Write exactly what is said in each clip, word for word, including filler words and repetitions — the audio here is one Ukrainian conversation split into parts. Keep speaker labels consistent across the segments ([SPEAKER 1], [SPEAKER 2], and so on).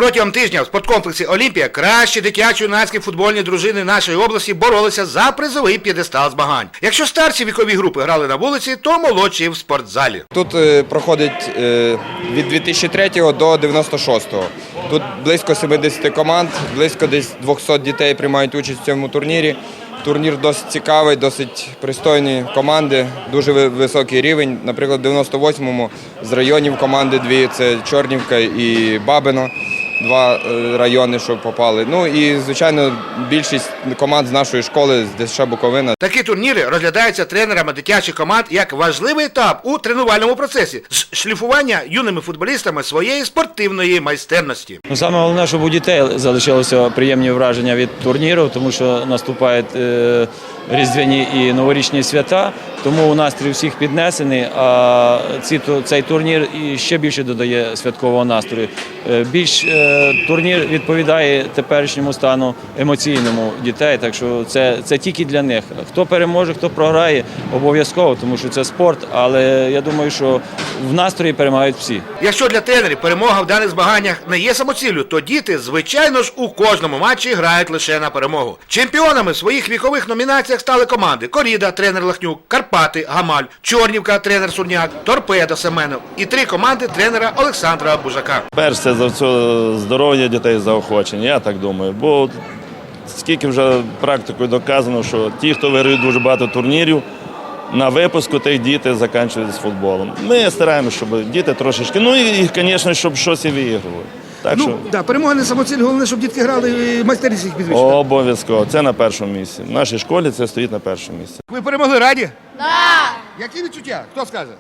[SPEAKER 1] Протягом тижня в спорткомплексі «Олімпія» кращі дитячо-юнацькі футбольні дружини нашої області боролися за призовий п'єдестал змагань. Якщо старші вікові групи грали на вулиці, то молодші в спортзалі.
[SPEAKER 2] Тут е, проходить е, від дві тисячі третього до дев'яносто шостого. Тут близько сімдесят команд, близько десь двісті дітей приймають участь в цьому турнірі. Турнір досить цікавий, досить пристойні команди, дуже високий рівень. Наприклад, в дев'яносто восьмому з районів команди дві – це Чорнівка і Бабино. Два райони, що попали. Ну і, звичайно, більшість команд з нашої школи, з ДСШ Буковина.
[SPEAKER 1] Такі турніри розглядаються тренерами дитячих команд як важливий етап у тренувальному процесі з шліфування юними футболістами своєї спортивної майстерності.
[SPEAKER 3] Ну, саме головне, щоб у дітей залишилося приємні враження від турніру, тому що наступають е, різдвяні і новорічні свята, тому настрій всіх піднесений, а ці, цей турнір і ще більше додає святкового настрою. Е, більш е, турнір відповідає теперішньому стану емоційному дітей, так що це, це тільки для них. Хто переможе, хто програє, обов'язково, тому що це спорт, але я думаю, що в настрої перемагають всі.
[SPEAKER 1] Якщо для тренерів перемога в даних змаганнях не є самоціллю, то діти, звичайно ж, у кожному матчі грають лише на перемогу. Чемпіонами в своїх вікових номінаціях стали команди «Коріда», тренер Лахнюк, «Карпати», Гамаль, «Чорнівка», тренер Сурняк, «Торпедо» Семенов і три команди тренера Олександра Бужака.
[SPEAKER 4] Перш це за все здоров'я дітей, заохочення, я так думаю. Бо скільки вже практикою доказано, що ті, хто виграють дуже багато турнірів, на випуску тих діти закінчують з футболом. Ми стараємося, щоб діти трошечки, ну і, звісно, щоб щось і виіграли. Так,
[SPEAKER 1] ну,
[SPEAKER 4] що...
[SPEAKER 1] да, перемога не самоціль, головне, щоб дітки грали і майстерність їх підвищити.
[SPEAKER 4] Обов'язково. Це на першому місці. В нашій школі це стоїть на першому місці.
[SPEAKER 1] Ви перемогли, раді?
[SPEAKER 5] Да.
[SPEAKER 1] Які відчуття? Хто скаже?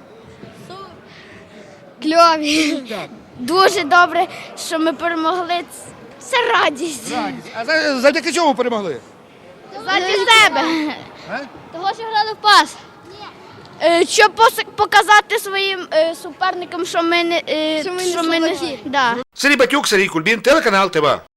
[SPEAKER 5] Кльові. Дуже добре, що ми перемогли. Це радість.
[SPEAKER 1] Радість. А за- завдяки чому перемогли?
[SPEAKER 5] Заради себе.
[SPEAKER 1] А?
[SPEAKER 5] Того, що грали в пас. Е, Щоб пос- показати своїм е, суперникам, що ми не... е,
[SPEAKER 6] Що ми не
[SPEAKER 5] що ми не...
[SPEAKER 6] слабаки.
[SPEAKER 5] Да.
[SPEAKER 1] Сергій Батюк, Сергій Кульбін, телеканал ТВА.